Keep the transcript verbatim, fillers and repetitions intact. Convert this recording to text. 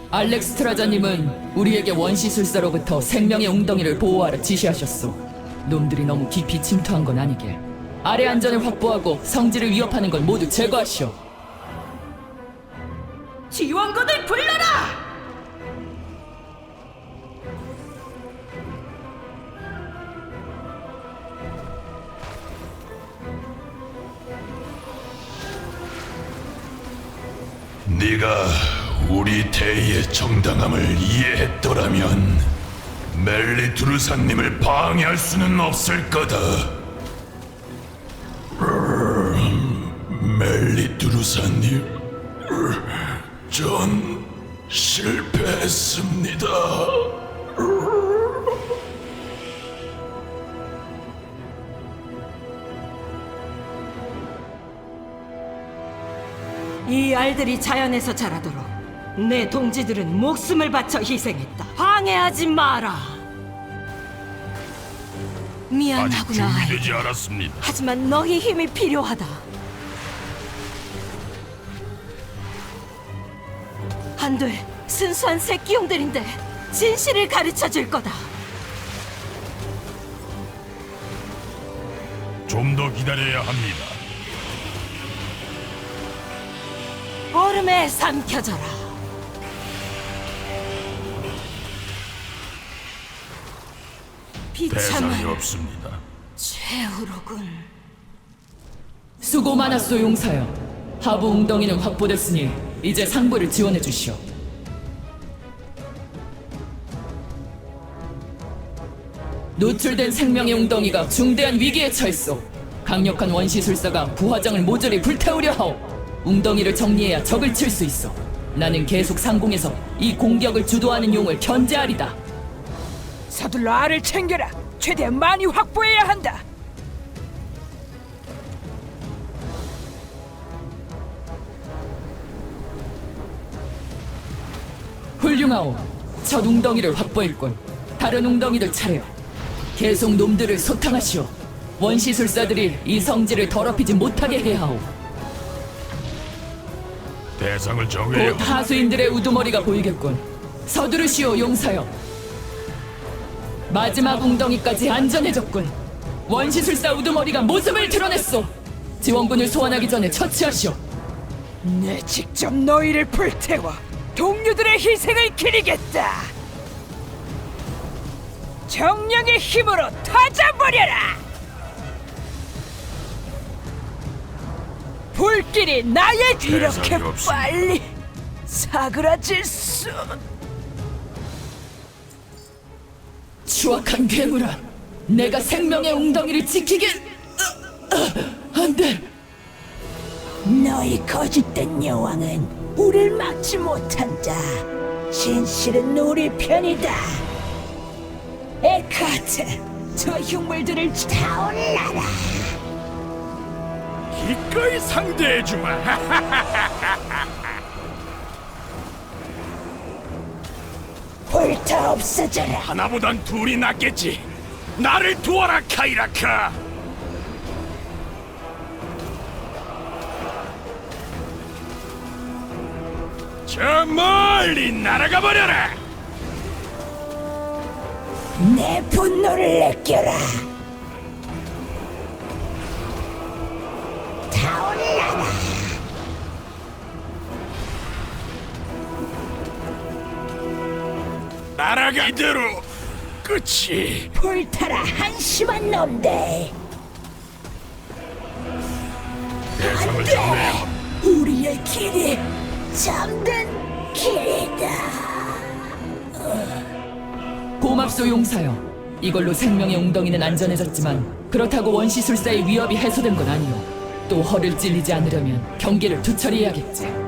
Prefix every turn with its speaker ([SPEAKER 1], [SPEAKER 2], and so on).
[SPEAKER 1] 알렉스트라자님은 우리에게 원시술사로부터 생명의 웅덩이를 보호하라 지시하셨소. 놈들이 너무 깊이 침투한 건 아니게 아래 안전을 확보하고 성지를 위협하는 걸 모두 제거하시오.
[SPEAKER 2] 지원군을 불러라!
[SPEAKER 3] 네가 우리 대의의 정당함을 이해했더라면 멜리투르사님을 방해할 수는 없을 거다. 멜리투르사님, 전 실패했습니다.
[SPEAKER 2] 이 알들이 자연에서 자라도록 내 동지들은 목숨을 바쳐 희생했다. 방해하지 마라.
[SPEAKER 3] 아직
[SPEAKER 2] 미안하구나. 아이.
[SPEAKER 3] 준비되지 않았습니다.
[SPEAKER 2] 하지만 너희 힘이 필요하다. 안 돼. 순수한 새끼용들인데 진실을 가르쳐 줄 거다.
[SPEAKER 3] 좀 더 기다려야 합니다.
[SPEAKER 2] 얼음에 삼켜져라.
[SPEAKER 3] 대상이
[SPEAKER 2] 비참한
[SPEAKER 3] 없습니다.
[SPEAKER 2] 최후로군.
[SPEAKER 1] 수고 많았소 용사여. 하부 웅덩이는 확보됐으니 이제 상부를 지원해 주시오. 노출된 생명의 웅덩이가 중대한 위기에 처했소. 강력한 원시술사가 부화장을 모조리 불태우려 하오. 웅덩이를 정리해야 적을 칠 수 있어. 나는 계속 상공에서 이 공격을 주도하는 용을 견제하리다.
[SPEAKER 4] 서둘러 알을 챙겨라. 최대한 많이 확보해야 한다.
[SPEAKER 1] 훌륭하오. 첫 웅덩이를 확보했군. 다른 웅덩이들 차례. 계속 놈들을 소탕하시오. 원시술사들이 이 성지를 더럽히지 못하게 해야 하오.
[SPEAKER 3] 대상을 정해야
[SPEAKER 1] 곧 하수인들의 우두머리가 보이겠군. 서두르시오 용사여. 마지막 웅덩이까지 안전해졌군. 원시술사 우두머리가 모습을 드러냈소. 지원군을 소환하기 전에 처치하시오.
[SPEAKER 4] 내 직접 너희를 불태워 동료들의 희생을 기리겠다. 정령의 힘으로 터져버려라. 불길이 나의 이렇게
[SPEAKER 3] 대상이 없습니다.
[SPEAKER 4] 빨리 사그라질 수.
[SPEAKER 1] 추악한 괴물아, 내가 생명의 웅덩이를 지키길. 어, 어, 안 돼.
[SPEAKER 5] 너희 거짓된 여왕은 우릴 막지 못한다. 진실은 우리 편이다. 에카트, 저 흉물들을 타올라라.
[SPEAKER 3] 기꺼이 상대해주마.
[SPEAKER 5] 불타 없어져라.
[SPEAKER 3] 하나보단 둘이 낫겠지. 나를 도와라, 카이라카. 저 멀리 날아가 버려라.
[SPEAKER 5] 내 분노를 느껴라. 타올라라.
[SPEAKER 3] 날아가 이대로 끝이.
[SPEAKER 5] 불타라 한심한 놈들.
[SPEAKER 3] 대상을 정해야 합니다.
[SPEAKER 5] 우리의 길이 잠든 길이다.
[SPEAKER 1] 고맙소 용사여. 이걸로 생명의 웅덩이는 안전해졌지만 그렇다고 원시술사의 위협이 해소된 건 아니오. 또 허를 찔리지 않으려면 경계를 투철히 해야겠지.